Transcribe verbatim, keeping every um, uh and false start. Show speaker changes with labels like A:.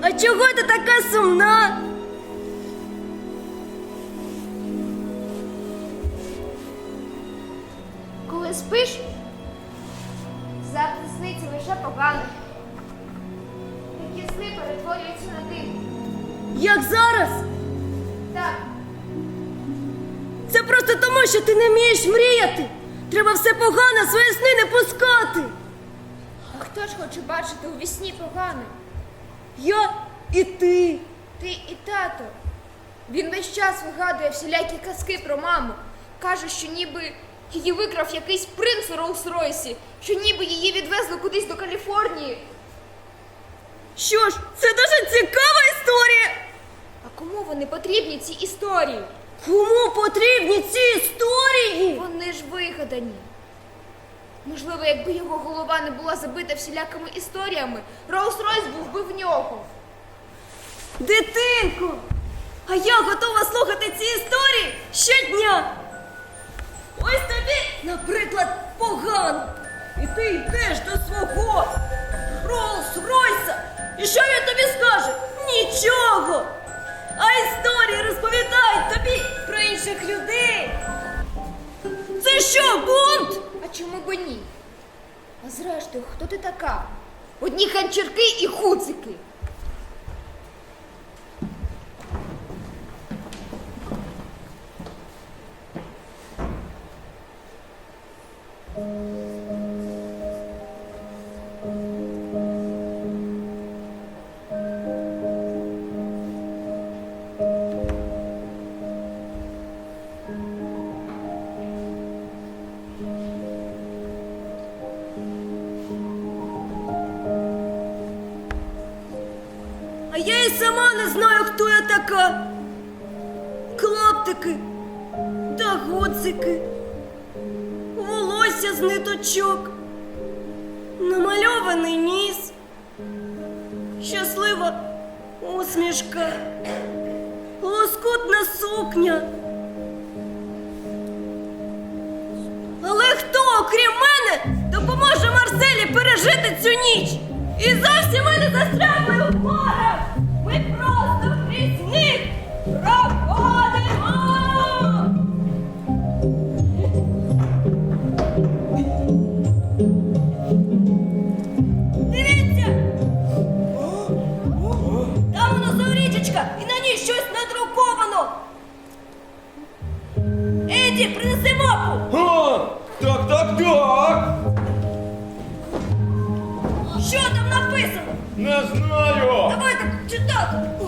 A: А чого ти така сумна?
B: Коли спиш, завжди сниться лише погане. Такі сни перетворюються на дим.
A: Як зараз?
B: Так,
A: Це просто тому, що ти не вмієш мріяти. Треба все погане, в свої сни не пускати.
B: а хто ж хоче бачити у вісні погане?
A: Я і ти.
B: Ти і тато. Він весь час вигадує всілякі казки про маму. Каже, що ніби її викрав якийсь принц у Роллс-Ройсі, що ніби її відвезли кудись до Каліфорнії.
A: Що ж, це дуже цікава історія.
B: А кому вони потрібні, ці історії?
A: Кому потрібні ці історії?
B: Вони ж вигадані. Можливо, якби його голова не була забита всілякими історіями, Роллс-Ройс був би в нього.
A: Дитинко, а я готова слухати ці історії щодня. Ось тобі, наприклад, погано. І ти йдеш до свого Роллс-Ройса. І що він тобі скаже? Нічого. А історії розповідають тобі про інших людей. Це що, бунт?
B: А чому б ні? А зрештою, хто ти така? Одні ханчірки і хуцики.
A: А я і сама не знаю, хто я така. Клаптики та гудзики, волосся з ниточок, намальований ніс, щаслива усмішка, лоскутна сукня. Але хто, окрім мене, допоможе Марселі пережити цю ніч? І зовсім ми не застрягли у горах! Ми просто крізь них проходимо! Дивіться! Там воно річечка, і на ній щось надруковано! Еді, принеси мапу!
C: А, так, так, так.
A: Що там написано?
C: Не знаю.
A: Давай так читати.